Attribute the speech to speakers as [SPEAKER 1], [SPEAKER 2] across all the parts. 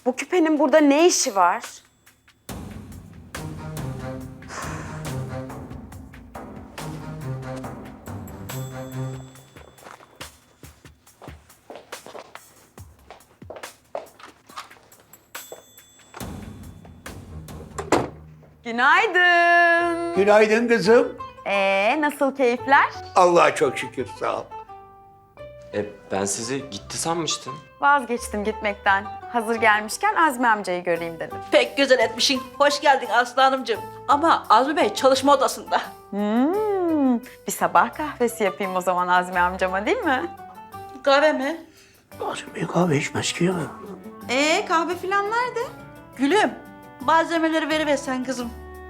[SPEAKER 1] Bu küpenin burada ne işi var? Günaydın.
[SPEAKER 2] Günaydın kızım.
[SPEAKER 1] Nasıl keyifler?
[SPEAKER 2] Allah'a çok şükür, sağ ol.
[SPEAKER 3] Ben sizi gitti sanmıştım.
[SPEAKER 1] Vazgeçtim gitmekten. Hazır gelmişken Azmi amcayı göreyim dedim.
[SPEAKER 4] Pek güzel etmişsin. Hoş geldin Aslı Hanımcığım. Ama Azmi Bey çalışma odasında.
[SPEAKER 1] Bir sabah kahvesi yapayım o zaman Azmi amcama, değil mi?
[SPEAKER 4] Kahve mi?
[SPEAKER 2] Azmi kahve içmez ki ya.
[SPEAKER 1] Kahve falan nerede?
[SPEAKER 4] Gülüm, malzemeleri veriversen kızım.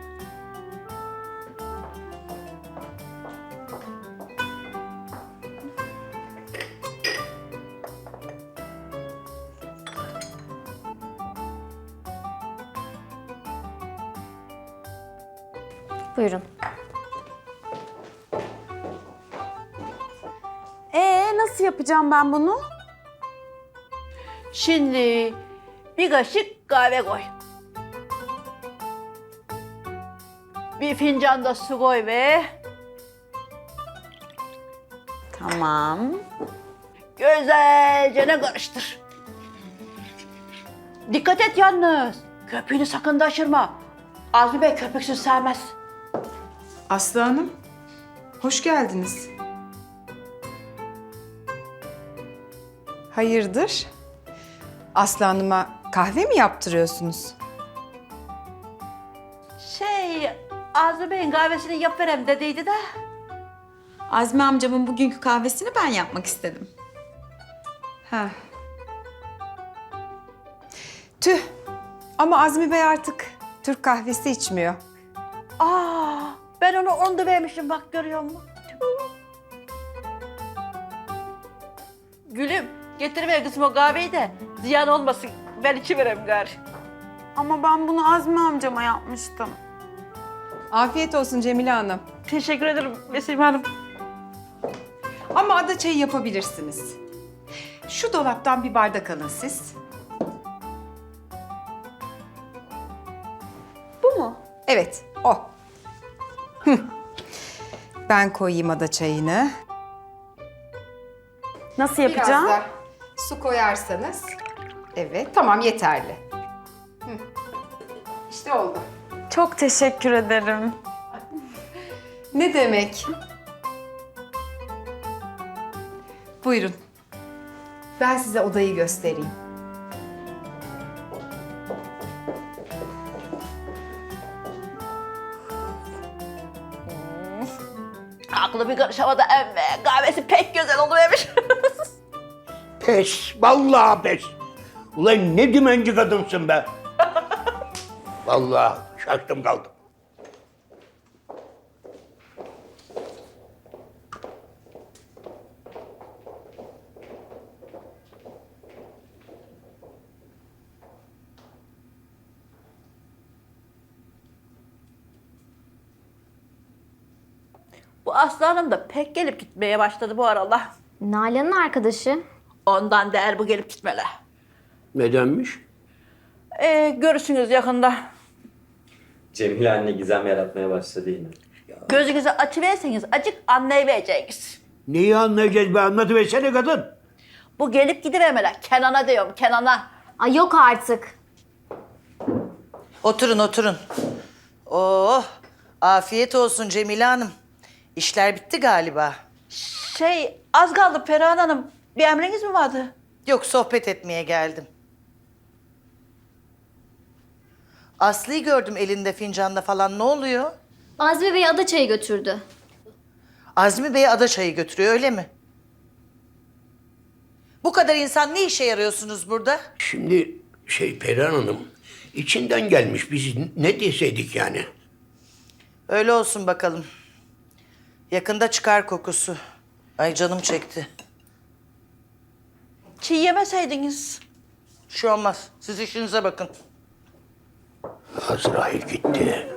[SPEAKER 5] Buyurun.
[SPEAKER 1] Nasıl yapacağım ben bunu?
[SPEAKER 4] Şimdi bir kaşık kahve koy. Bir fincan da su koy ve
[SPEAKER 1] Tamam.
[SPEAKER 4] güzelce ne karıştır. Dikkat et yalnız. Köpüğünü sakın taşırma. Azmi Bey köpüksüz sevmez.
[SPEAKER 6] Aslı Hanım, hoş geldiniz. Hayırdır? Aslı Hanım'a kahve mi yaptırıyorsunuz?
[SPEAKER 4] Azmi Bey'in kahvesini yapıverem dediydi de.
[SPEAKER 1] Azmi amcamın bugünkü kahvesini ben yapmak istedim.
[SPEAKER 6] Ha. Tüh, ama Azmi Bey artık Türk kahvesi içmiyor.
[SPEAKER 4] Ben onu onda vermişim bak görüyor musun? Gülüm getiriver kızım o kahveyi de ziyan olmasın. Ben içiverem gari.
[SPEAKER 1] Ama ben bunu Azmi amcama yapmıştım.
[SPEAKER 6] Afiyet olsun Cemile Hanım.
[SPEAKER 4] Teşekkür ederim Vesime Hanım.
[SPEAKER 6] Ama ada çayı yapabilirsiniz. Şu dolaptan bir bardak alın siz.
[SPEAKER 1] Bu mu?
[SPEAKER 6] Evet, o. Hı. Ben koyayım ada çayını.
[SPEAKER 1] Nasıl yapacağım?
[SPEAKER 6] Biraz da su koyarsanız. Evet, tamam yeterli. Hı. İşte oldu.
[SPEAKER 1] Çok teşekkür ederim.
[SPEAKER 6] Ne demek? Buyurun. Ben size odayı göstereyim.
[SPEAKER 4] Aklı bir karış havada emme. Kahvesi pek güzel oluvermiş.
[SPEAKER 2] Pes, vallahi pes. Ulan ne dümenci kadınsın be. Vallahi şaştım kaldım.
[SPEAKER 4] Bu Aslı Hanım da pek gelip gitmeye başladı bu aralar.
[SPEAKER 5] Nalan'ın arkadaşı.
[SPEAKER 4] Ondan değer bu gelip gitmeler.
[SPEAKER 2] Nedenmiş?
[SPEAKER 4] Görürsünüz yakında.
[SPEAKER 3] Cemile anne gizem yaratmaya başladı yine.
[SPEAKER 4] Gözünüzü açıverseniz acık anlayıvereceğiniz.
[SPEAKER 2] Neyi anlayacağız be, anlatıversene kadın.
[SPEAKER 4] Bu gelip gidivermeler. Kenan'a diyorum Kenan'a.
[SPEAKER 5] Ay yok artık.
[SPEAKER 7] Oturun, oturun. Oh, afiyet olsun Cemile Hanım. İşler bitti galiba.
[SPEAKER 4] Az kaldı Perihan Hanım. Bir emriniz mi vardı?
[SPEAKER 7] Yok, sohbet etmeye geldim. Aslı'yı gördüm elinde fincanla falan. Ne oluyor?
[SPEAKER 5] Azmi Bey ada çayı götürdü.
[SPEAKER 7] Azmi Bey ada çayı götürüyor, öyle mi? Bu kadar insan ne işe yarıyorsunuz burada?
[SPEAKER 2] Şimdi Perihan Hanım, içinden gelmiş, biz ne deseydik yani?
[SPEAKER 7] Öyle olsun bakalım. Yakında çıkar kokusu. Ay canım çekti.
[SPEAKER 4] Çiğ yemeseydiniz.
[SPEAKER 7] Bir şey olmaz. Siz işinize bakın.
[SPEAKER 2] Azrail gitti.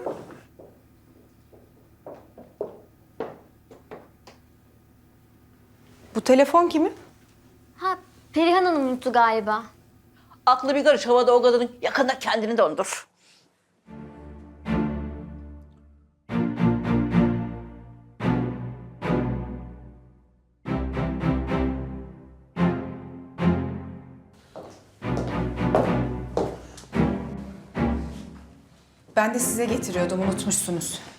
[SPEAKER 6] Bu telefon kimin?
[SPEAKER 5] Ha, Perihan Hanım unuttu galiba.
[SPEAKER 4] Aklı bir karış havada o kadının, yakında kendini dondur.
[SPEAKER 6] Ben de size getiriyordum, unutmuşsunuz.